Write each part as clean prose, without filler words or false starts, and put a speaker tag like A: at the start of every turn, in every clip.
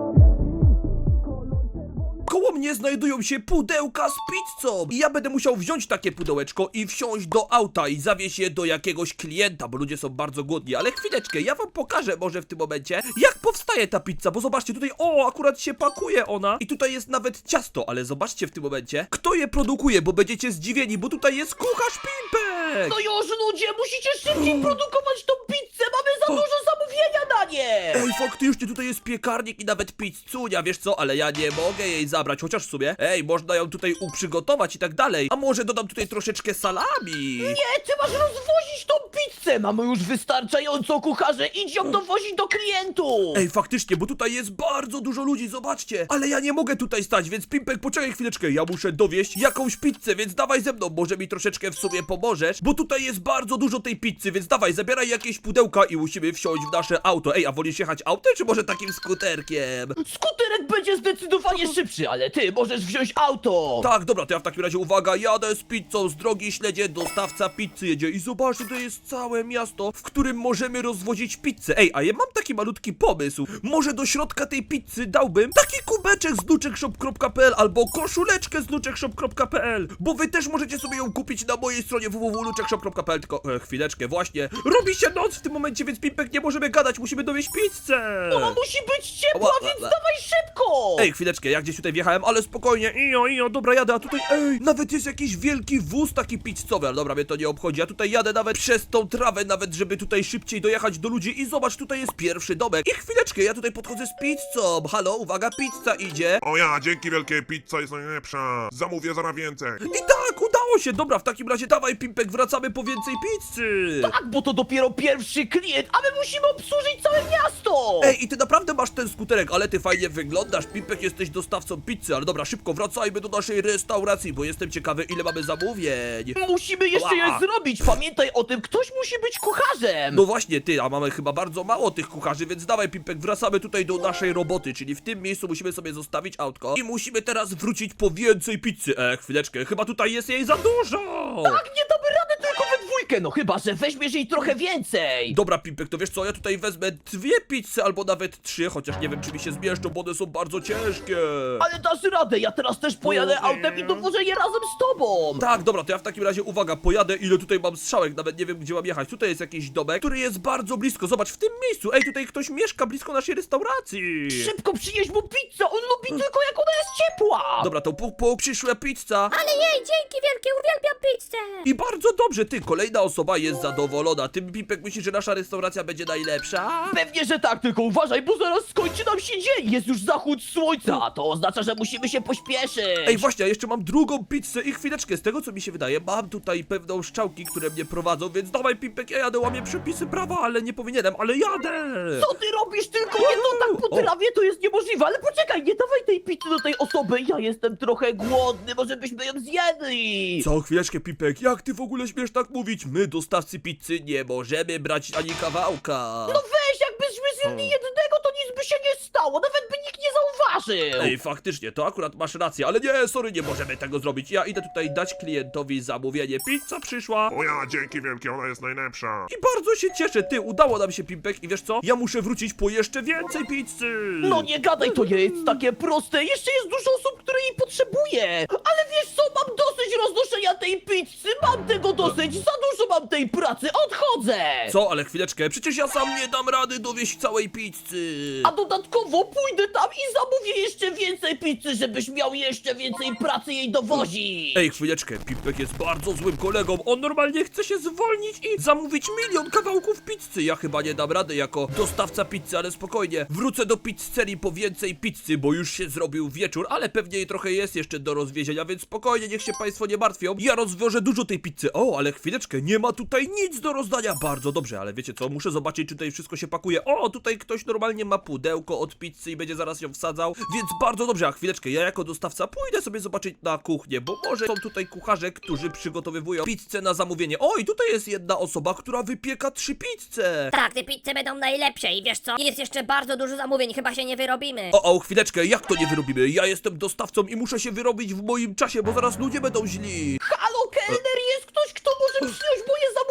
A: Koło mnie znajdują się pudełka z pizzą i ja będę musiał wziąć takie pudełeczko i wsiąść do auta i zawieźć je do jakiegoś klienta, bo ludzie są bardzo głodni. Ale chwileczkę, ja wam pokażę może w tym momencie, jak powstaje ta pizza, bo zobaczcie, tutaj, o, akurat się pakuje ona i tutaj jest nawet ciasto, ale zobaczcie w tym momencie, kto je produkuje, bo będziecie zdziwieni, bo tutaj jest kucharz Pimpek!
B: No już ludzie, musicie szybciej produkować tą pizzę, mamy za dużo zamówienia na nie!
A: Ej, faktycznie, tutaj jest piekarnik i nawet pizzunia, wiesz co, ale ja nie mogę jej zabrać, chociaż w sumie, ej, można ją tutaj uprzygotować i tak dalej, a może dodam tutaj troszeczkę salami?
B: Nie, ty masz rozwozić tą pizzę! Mamy już wystarczająco kucharze, idź ją dowozić do klientów!
A: Ej, faktycznie, bo tutaj jest bardzo dużo ludzi, zobaczcie, ale ja nie mogę tutaj stać, więc Pimpek, poczekaj chwileczkę, ja muszę dowieść jakąś pizzę, więc dawaj ze mną, może mi troszeczkę w sumie pomożesz, bo tutaj jest bardzo dużo tej pizzy, więc dawaj, zabieraj jakieś pudełka i musimy wsiąść w nasze auto. Ej, a wolisz jechać autem, czy może takim skuterkiem?
B: Skuterek będzie zdecydowanie szybszy, ale ty możesz wziąć auto!
A: Tak, dobra, to ja w takim razie, uwaga, jadę z pizzą z drogi śledzie, dostawca pizzy jedzie i zobaczcie, to jest całe miasto, w którym możemy rozwozić pizzę. Ej, a ja mam taki malutki pomysł, może do środka tej pizzy dałbym taki kubeczek z luczekshop.pl albo koszuleczkę z luczekshop.pl, bo wy też możecie sobie ją kupić na mojej stronie www.luczekshop.pl, tylko chwileczkę, właśnie, robi się noc w tym momencie, więc Pimpek, nie możemy gadać, musimy dowieść pizzę.
B: Ona musi być ciepła,
A: Ła,
B: więc
A: ła.
B: dawaj szybko!
A: Ej, chwileczkę, ja gdzieś tutaj wjechałem, ale spokojnie, ijo, dobra, jadę, a tutaj, ej, nawet jest jakiś wielki wóz taki pizzowy, ale dobra, mnie to nie obchodzi, ja tutaj jadę nawet przez tą trawę, nawet żeby tutaj szybciej dojechać do ludzi i zobacz, tutaj jest pierwszy domek i chwileczkę, ja tutaj podchodzę z pizzą, halo, uwaga, pizza idzie.
C: O ja, dzięki wielkie, pizza jest najlepsza. Zamówię zaraz więcej.
A: I tak, udało się, dobra, w takim razie dawaj, Pimpek, wracamy po więcej pizzy.
B: Tak, bo to dopiero pierwszy klient, a my musimy obsłużyć całe miasto!
A: Ej, i ty naprawdę masz ten skuterek, ale ty fajnie wyglądasz, Pimpek, jesteś dostawcą pizzy, ale dobra, szybko wracajmy do naszej restauracji, bo jestem ciekawy, ile mamy zamówień.
B: Musimy jeszcze je zrobić, pamiętaj o tym, ktoś musi być kucharzem!
A: No właśnie, ty, a mamy chyba bardzo mało tych kucharzy, więc dawaj, Pimpek, wracamy tutaj do naszej roboty, czyli w tym miejscu musimy sobie zostawić autko i musimy teraz wrócić po więcej pizzy. Chwileczkę, chyba tutaj jest jej za dużo!
B: Tak, nie damy rady tylko we dwójkę, no chyba, że weźmiesz jej trochę więcej!
A: Dobra, Pimpek, to wiesz co, ja tutaj wezmę 2 pizze albo nawet 3, chociaż nie wiem, czy mi się zmieszczą, bo one są bardzo ciężkie.
B: Ale dasz radę, ja teraz też pojadę autem i dowożę je razem z tobą!
A: Tak, dobra, to ja w takim razie, uwaga, pojadę, ile tutaj mam strzałek, nawet nie wiem, gdzie mam jechać. Tutaj jest jakiś domek, który jest bardzo blisko, zobacz, w tym miejscu, ej, tutaj ktoś mieszka blisko naszej restauracji.
B: Szybko przynieś mu pizzę, on lubi tylko jak ona jest ciepła!
A: Dobra, to puk, przyszła pizza.
D: Ale jej, dzięki wielkie, uwielbiam pizzę!
A: I bardzo dobrze, ty, kolejna osoba jest zadowolona. Ty, Pipek, myślisz, że nasza restauracja będzie najlepsza?
B: Pewnie, że tak, tylko uważaj, bo zaraz skończy nam się dzień! Jest już zachód słońca, a to oznacza, że musimy się pośpieszyć!
A: Ej, właśnie, a jeszcze mam drugą pizzę i chwileczkę, z tego co mi się wydaje, mam tutaj pewną szczałki, które mnie prowadzą, więc dawaj, Pipek, ja jadę, łamię przepisy prawa, ale nie powinienem, ale jadę!
B: Co ty robisz? Tylko nie to tak po trawie, to jest niemożliwe, ale poczekaj, nie dawaj tej pizzy do tej osoby, ja jestem trochę głodny, może byśmy ją zjedli!
A: Co, chwileczkę, Pipek, jak ty w ogóle śmiesz tak mówić? My, dostawcy pizzy, nie możemy brać ani kawałka!
B: No weź, jakbyśmy zjedli jednego, to nic by się nie stało, nawet by nikt nie zauważył!
A: Ej, faktycznie, to akurat masz rację, ale nie, sorry, nie możemy tego zrobić. Ja idę tutaj dać klientowi zamówienie. Pizza przyszła.
C: O ja, dzięki wielkie, ona jest najlepsza.
A: I bardzo się cieszę, ty, udało nam się, Pimpek, i wiesz co? Ja muszę wrócić po jeszcze więcej pizzy!
B: No nie gadaj, to nie jest takie proste, jeszcze jest dużo osób, które jej potrzebuje! Ale wiesz co, mam dosyć roznoszenia tej pizzy, mam tego dosyć, za dużo mam tej pracy, odchodzę!
A: Co, ale chwileczkę, przecież ja sam nie dam rady dowieść całej pizzy!
B: A dodatkowo pójdę tam i zamówię jeszcze więcej pizzy, żebyś miał jeszcze więcej pracy jej dowozić!
A: Ej, chwileczkę, Pimpek jest bardzo złym kolegą, on normalnie chce się zwolnić i zamówić 1 000 000 kawałków pizzy. Ja chyba nie dam rady jako dostawca pizzy, ale spokojnie, wrócę do pizzerii po więcej pizzy, bo już się zrobił wieczór, ale pewnie jej trochę jest jeszcze do rozwiezienia, więc spokojnie, niech się państwo nie martwią, ja rozwiążę dużo tej pizzy. O, ale chwileczkę, nie ma tutaj nic do rozdania, bardzo dobrze, ale wiecie co, muszę zobaczyć, czy tutaj wszystko się pakuje. O, tutaj ktoś normalnie ma pudełko od pizzy i będzie zaraz ją wsadzał, więc bardzo dobrze, a chwileczkę, ja jako dostawca pójdę sobie zobaczyć na kuchnię, bo może są tutaj kucharze, którzy przygotowywują pizzę na zamówienie. O, i tutaj jest jedna osoba, która wypieka 3 pizze.
D: Tak, te pizze będą najlepsze i wiesz co? Jest jeszcze bardzo dużo zamówień, chyba się nie wyrobimy.
A: O, chwileczkę, jak to nie wyrobimy? Ja jestem dostawcą i muszę się wyrobić w moim czasie, bo zaraz ludzie będą źli.
B: Halo, kelner, jest ktoś, kto może przyjąć moje zamówienie na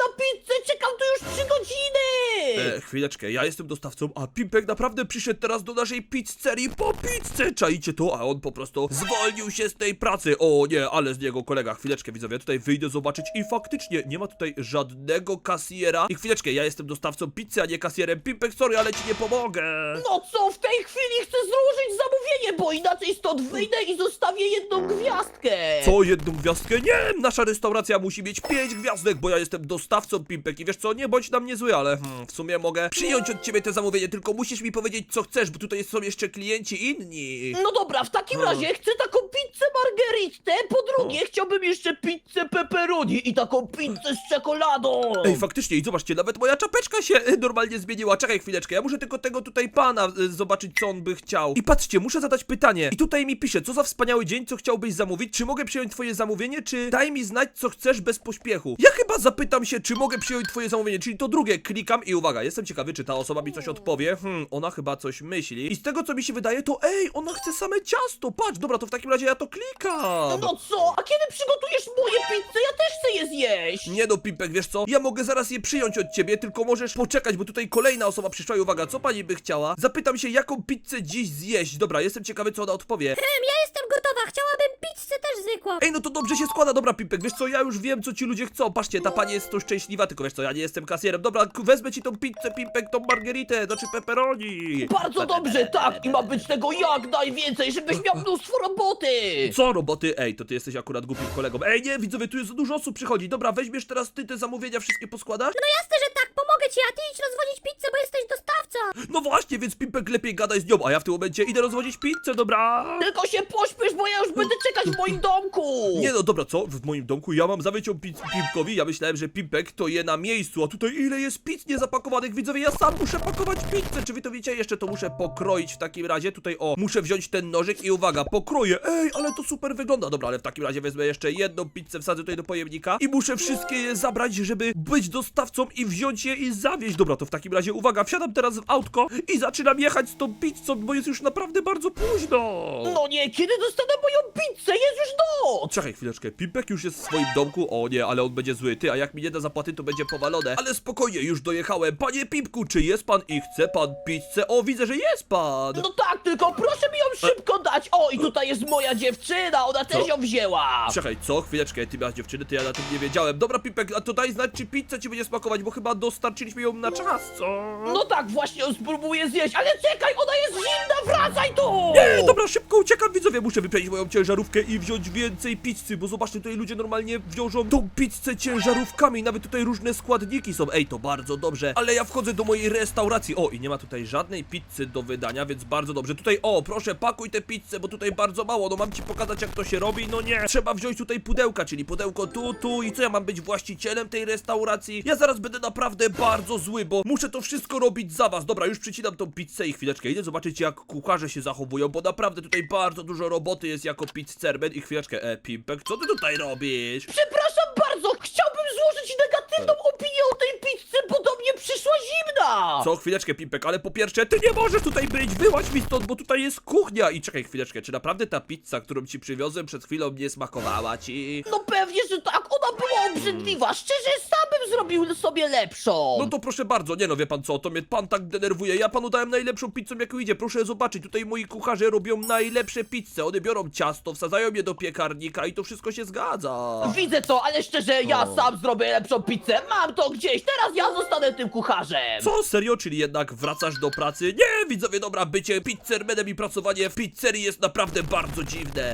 B: na pizzę, czekam tu już 3 godziny!
A: Chwileczkę, ja jestem dostawcą, a Pimpek naprawdę przyszedł teraz do naszej pizzerii po pizzę. Czaicie to? A on po prostu zwolnił się z tej pracy. O nie, ale z niego kolega. Chwileczkę, widzowie, tutaj wyjdę zobaczyć i faktycznie nie ma tutaj żadnego kasjera. I chwileczkę, ja jestem dostawcą pizzy, a nie kasjerem. Pimpek, sorry, ale ci nie pomogę.
B: No co, w tej chwili chcę złożyć zamówienie, bo inaczej stąd wyjdę i zostawię 1 gwiazdkę!
A: Co, 1 gwiazdkę? Nie, nasza restauracja musi mieć 5 gwiazdek, bo ja jestem dostawcą, Pimpek, i wiesz co, nie bądź na mnie zły, ale w sumie mogę przyjąć od ciebie te zamówienie, tylko musisz mi powiedzieć, co chcesz, bo tutaj są jeszcze klienci inni.
B: No dobra, w takim razie chcę taką pizzę margheritę, po drugie chciałbym jeszcze pizzę pepperoni i taką pizzę z czekoladą!
A: Ej, faktycznie, i zobaczcie, nawet moja czapeczka się normalnie zmieniła. Czekaj chwileczkę, ja muszę tylko tego tutaj pana zobaczyć, co on by chciał. I patrzcie, muszę zadać pytanie. I tutaj mi pisze, co za wspaniały dzień, co chciałbyś zamówić, czy mogę przyjąć twoje zamówienie, czy daj mi znać, co chcesz bez pośpiechu. Ja chyba zapytam się, czy mogę przyjąć twoje zamówienie, czyli to drugie, klikam i uwaga, jestem ciekawy, czy ta osoba mi coś odpowie. Ona chyba coś myśli. I z tego, co mi się wydaje, to ej, ona chce same ciasto, patrz, dobra, to w takim razie ja to klikam.
B: No co, a kiedy przygotujesz moje pizze? Ja też chcę je zjeść!
A: Nie no, Pimpek, wiesz co? Ja mogę zaraz je przyjąć od ciebie, tylko możesz poczekać, bo tutaj kolejna osoba przyszła i uwaga, co pani by chciała? Zapytam się, jaką pizzę dziś zjeść. Dobra, jestem ciekawy, co ona odpowie.
D: Ja jestem gotowa, chciałabym pizzę też zwykłą.
A: Ej, no to dobrze się składa, dobra, Pimpek, wiesz co? Ja już wiem, co ci ludzie chcą. Patrzcie, ta pani jest tu szczęśliwa, tylko wiesz co, ja nie jestem kasjerem. Dobra, wezmę ci tą pizzę, Pimpek, tą margheritę, znaczy pepperoni.
B: Bardzo dobrze, tak, i ma być tego jak najwięcej, żebyś miał mnóstwo roboty!
A: Co roboty? Ej, to ty jesteś akurat głupim kolegą. Ej, nie, widzowie, tu jest za dużo osób przychodzi. Dobra, weźmiesz teraz ty te zamówienia, wszystkie poskładasz?
D: No jasne, że tak, pomogę ci, a ty idź rozwodzić pizzę, bo jesteś dostawca.
A: No właśnie, więc Pimpek lepiej gadaj z nią, a ja w tym momencie idę rozwodzić pizzę, dobra?
B: Tylko się pośpiesz, bo ja już będę czekać w moim domku!
A: Nie no, dobra, co? W moim domku ja mam zawyć ją Pimpkowi, ja myślałem, że Pimpek to je na miejscu, a tutaj ile jest pizz niezapakowanych, widzowie, ja sam muszę pakować pizzę, czy wy to wiecie? Jeszcze to muszę pokroić w takim razie, tutaj o, muszę wziąć ten nożyk i uwaga, pokroję, ej, ale to super wygląda, dobra, ale w takim razie wezmę jeszcze jedną pizzę, wsadzę tutaj do pojemnika i muszę wszystkie je zabrać, żeby być dostawcą i wziąć je i zawieźć, dobra, to w takim razie, uwaga, wsiadam teraz w autko i zaczynam jechać z tą pizzą, bo jest już naprawdę bardzo późno.
B: No nie, kiedy dostanę moją pizzę? Jest już noc!
A: Czekaj chwileczkę, Pimpek już jest w swoim domku, o nie, ale on będzie zły, ty, a jak mi nie da zapłaty, to będzie powalone, ale spokojnie, już dojechałem, panie Pimpku, czy jest pan i chce pan pizzę? O, widzę, że jest pan!
B: No tak, tylko proszę mi ją szybko dać! O, i tutaj jest moja dziewczyna, ona też ją wzięła!
A: Czekaj, co? Chwileczkę, ty miałeś dziewczyny, to ja na tym nie wiedziałem. Dobra, Pimpek, a to daj znać, czy pizza ci będzie smakować, bo chyba dostarczyliśmy ją na czas, co?
B: No tak, właśnie ją spróbuję zjeść, ale czekaj, ona jest zimna, wracaj tu!
A: Nie, dobra, szybko uciekam, widzowie, muszę wypełnić moją ciężarówkę i wziąć więcej pizzy, bo zobaczcie, tutaj ludzie normalnie wiążą tą pizzę ciężarówkami, nawet tutaj różne składniki są, ej, to bardzo dobrze, ale ja wchodzę do mojej restauracji, o, i nie ma tutaj żadnej pizzy do wydania, więc bardzo dobrze, tutaj, o, proszę, pakuj tę pizzę, bo tutaj bardzo mało, no mam ci pokazać, jak to się robi, no nie, trzeba wziąć tutaj pudełka, czyli pudełko tu i co, ja mam być właścicielem tej restauracji? Ja zaraz będę naprawdę bardzo zły, bo muszę to wszystko robić za was, dobra, już przycinam tą pizzę i chwileczkę, idę zobaczyć, jak kucharze się zachowują, bo naprawdę tutaj bardzo dużo roboty jest jako pizzerman i chwileczkę, Pimpek, co ty tutaj robisz?
B: Przepraszam bardzo, chciałbym złożyć negatywną opinię o tej pizzy, bo do mnie przyszła zimna!
A: Co, chwileczkę, Pimpek, ale po pierwsze, ty nie możesz tutaj być, wyłaź mi stąd, bo tutaj jest kuchnia i czekaj chwileczkę, czy naprawdę ta pizza, którą ci przywiozłem przed chwilą nie smakowała ci?
B: No pewnie, że tak, ona była obrzydliwa, szczerze, sam bym zrobił sobie lepszą!
A: No to proszę bardzo, nie no, wie pan co, to mnie pan tak denerwuje, ja panu dałem najlepszą pizzę, jaką idzie, proszę zobaczyć, tutaj moi kucharze robią najlepsze pizze, one biorą ciasto, wsadzają je do piekarnika i to wszystko się zgadza.
B: Widzę co, ale szczerze, ja sam zrobię lepszą pizzę, mam to gdzieś, teraz ja zostanę tym kucharzem!
A: Co, serio? Czyli jednak wracasz do pracy? Nie, widzowie, dobra, bycie pizzermanem i pracowanie w pizzerii jest naprawdę bardzo dziwne.